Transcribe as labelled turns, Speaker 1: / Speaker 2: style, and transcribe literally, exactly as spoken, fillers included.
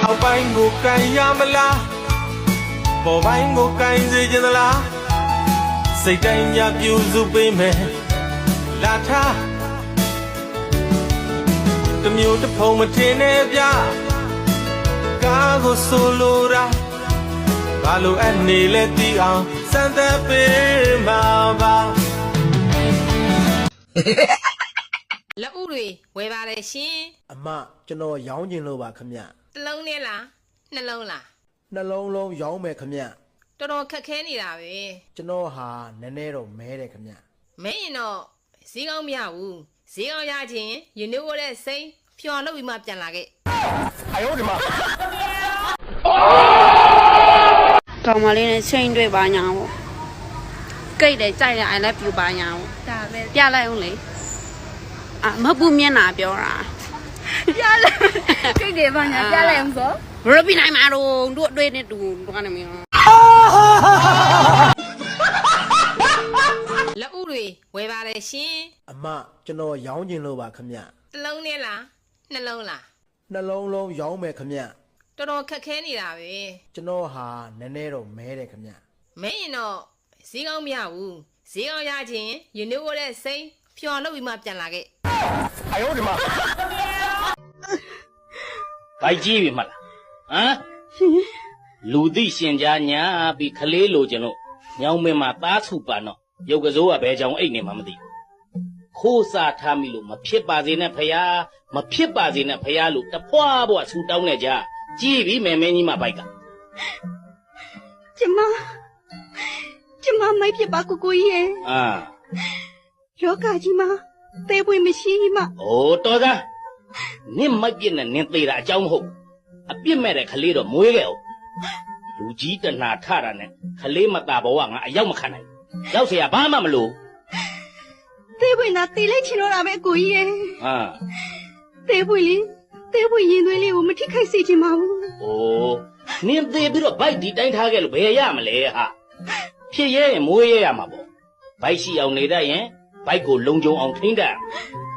Speaker 1: အောက်ပိုင်းကိုကန်ရမလားပေါ်ပိုင်းကိုကန်စေချင်သလားစိတ်တိုင်းများပြူစုပေးမယ်လာထားတမျိုးတစ်ဖုံမထင်နဲ့ဗျကားကိုဆိုလိုတာဘာလို့အနေလဲတီးအောင်စမ်းသပ်ပေးမှာပါ
Speaker 2: လက်ဥတွေဝယ်ပါတယ်ရှင်
Speaker 3: အမကျွန်တော်ရောင်းကျင်လို့ပါခမ
Speaker 2: တစ်လုံးနဲ့လားနှလုံးလား
Speaker 3: နှလုံးလုံးရောင်းမယ်ခမ
Speaker 2: တော်တော်ခက်ခဲနေတာပဲ
Speaker 3: ကျွန်တော်ဟာနည်းနည်းတော့မဲတယ်ခမ
Speaker 2: မဲရင်တော့ဈေးကောင်းမရဘူးဈေးကောင်းရခြင်းယူနေဝတဲ့စိမ့်ဖြော်လုပ်ပြီးမှပြန်လာခဲ့
Speaker 3: 哎呦我的妈
Speaker 4: ကောင်းမလေးနဲ့ချိန်တွေ့ပါညာပေါ့ကိတ်တယ်ကြိုက်တယ် I love you ပါညာပေါ့ဒါပဲပြလိုက်အောင်လေအာမဟုတ်ဘူးမျက်နှာပြောတာ
Speaker 5: ပြလိုက်ကိတ်တယ်ပါညာပြလိုက်အောင်ဆို
Speaker 4: ဘယ်လိုပြနိုင်မှာတော့တို့အတွေ့နဲ့တူတို့ကနေမင်း
Speaker 2: လက်ဥတွေဝယ်ပါတယ်ရှင်
Speaker 3: အမကျွန်တော်ရောင်းကျင်လို့ပါခမ
Speaker 2: တစ်လုံးနဲ့လားနှလုံးလား
Speaker 3: နှလုံးလုံးရောင်းမယ်ခမ
Speaker 2: တော်တော်ခက်ခဲနေတာပဲ
Speaker 3: ကျွန်တော်ဟာနည်းနည်းတော့မဲတယ်ခမ
Speaker 2: မဲရင်တော့ဈေးကောင်းမရဘူးဈေးကောင်းရခြင်းယူနေဝတဲ့စိမ့်ဖြော်လုပ်ပြီးမှပြန်လာခဲ့
Speaker 3: 哎呦我的妈
Speaker 6: ဘိုက်ကြီးပြီမလားဟမ်လူသိရှင်ကြားညာပြီးခလေးလိုချင်လို့ညောင်မင်းမှာသားစုပန်တော့ရုပ်ကစိုးကဘယ်ကြောင်အိတ်နေမှမသိခိုးစားထားမိလို့မဖြစ်ပါစေနဲ့ဖယားမဖြစ်ပါစေနဲ့ဖယားလို့တဖွာဘွားဆူတောင်းနေကြကြည့်ပြီမယ်မင်းကြီးမဘိုက်က
Speaker 5: ကျမကျမမိုက်ဖြစ်ပါကိုကိုကြီးရဲ့
Speaker 6: အာ
Speaker 5: လောကကြီးမှာသေပွင့်မရှိမှ
Speaker 6: အိုးတော်သားနင့်မိုက်ပြစ်နဲ့နင်းသေးတာအကြောင်းမဟုတ်အပြစ်မဲ့တဲ့ခလေးတော့မွေးခဲ့အောင်လူကြီးတဏှာထတာနဲ့ခလေးမตาဘဝငါအရောက်မခံနိုင်ရောက်เสียဘာမှမလို့
Speaker 5: သေပွင့်သာတေးလိုက်ချင်တော့တာပဲကိုကြီးရဲ့
Speaker 6: ဟာ
Speaker 5: သေပွင့်လေးသေပွင့်ရင်သွေးလေးကိုမထိခိုက်စေချင်ပါဘူး
Speaker 6: အိုးနင်းသေးပြီးတော့ဘိုက်ဒီတိုင်းထားခဲ့လို့ဘယ်ရမလဲဟာဖြစ်ရဲရင်မွေးရရမှာပေါ့ဘိုက်ရှိအောင်နေတတ်ရင်ဘိုက်ကိုလုံခြုံအောင်ထိန်းတတ်